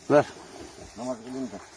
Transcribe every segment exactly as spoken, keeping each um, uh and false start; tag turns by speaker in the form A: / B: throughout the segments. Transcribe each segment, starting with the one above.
A: Ver.
B: Namaz kılayım da.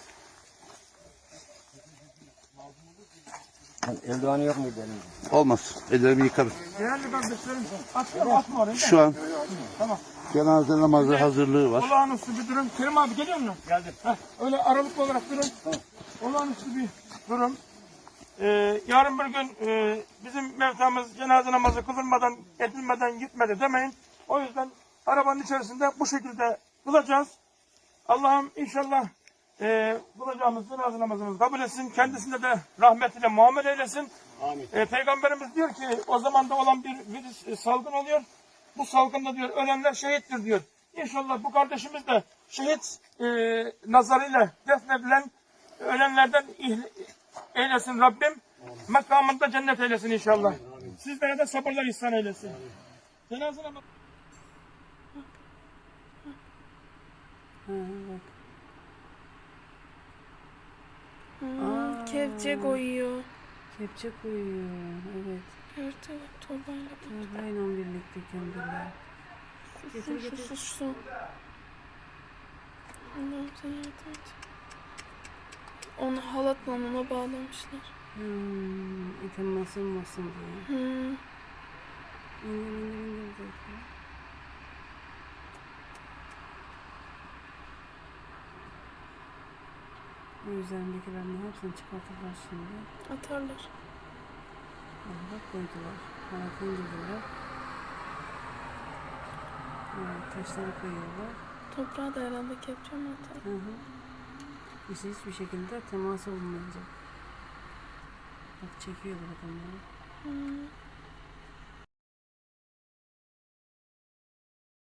B: Eldivanı yok muydu elimde?
A: Olmaz. Ellerimi yıkarım.
C: Değerli kardeşlerim, atma, atma oraya.
A: Şu an
C: Tamam.
A: cenaze namazı hazırlığı var.
C: Olağanüstü bir durum. Kerim abi geliyor musun? Geldim. Heh, öyle aralıklı olarak durun. Tamam. Olağanüstü bir durum. Ee, yarın bir gün e, bizim mevtamız cenaze namazı kılınmadan, edilmeden gitmedi demeyin. O yüzden arabanın içerisinde bu şekilde kılacağız. Allah'ım inşallah e, kılacağımız cenaze namazımızı kabul etsin. Kendisine de rahmetiyle muamele eylesin.
B: Amin.
C: E, Peygamberimiz diyor ki o zamanda olan bir virüs e, salgın oluyor. Bu salgında diyor ölenler şehittir diyor. İnşallah bu kardeşimiz de şehit e, nazarıyla defnedilen ölenlerden eylesin Rabbim. Makamında cennet eylesin inşallah. Amin, amin. Sizlere de sabırlar ihsan eylesin. Cenaze namazı.
D: Hmm, kepçe koyuyor.
E: Kepçe koyuyor, evet.
D: Evet evet, torbayla.
E: Torbayla birlikte kendiler.
D: Getir getir. Sus sus. Allah'ım sen yardım et. Onu halatla ona bağlamışlar.
E: Hmm, item basılmasın diye.
D: Hmm.
E: İndir indir indir zaten. O üzerindekilerin hepsini çıkartırlar şimdi.
D: Atarlar.
E: Bak koydular. Halatını indirdiler. Evet, taşları koyuyorlar.
D: Toprağa da herhalde kepçe mi atar?
E: Hı hı. İşte hiçbir şekilde temas olmayacak. Bak çekiyorlar adamları.
D: Hmm.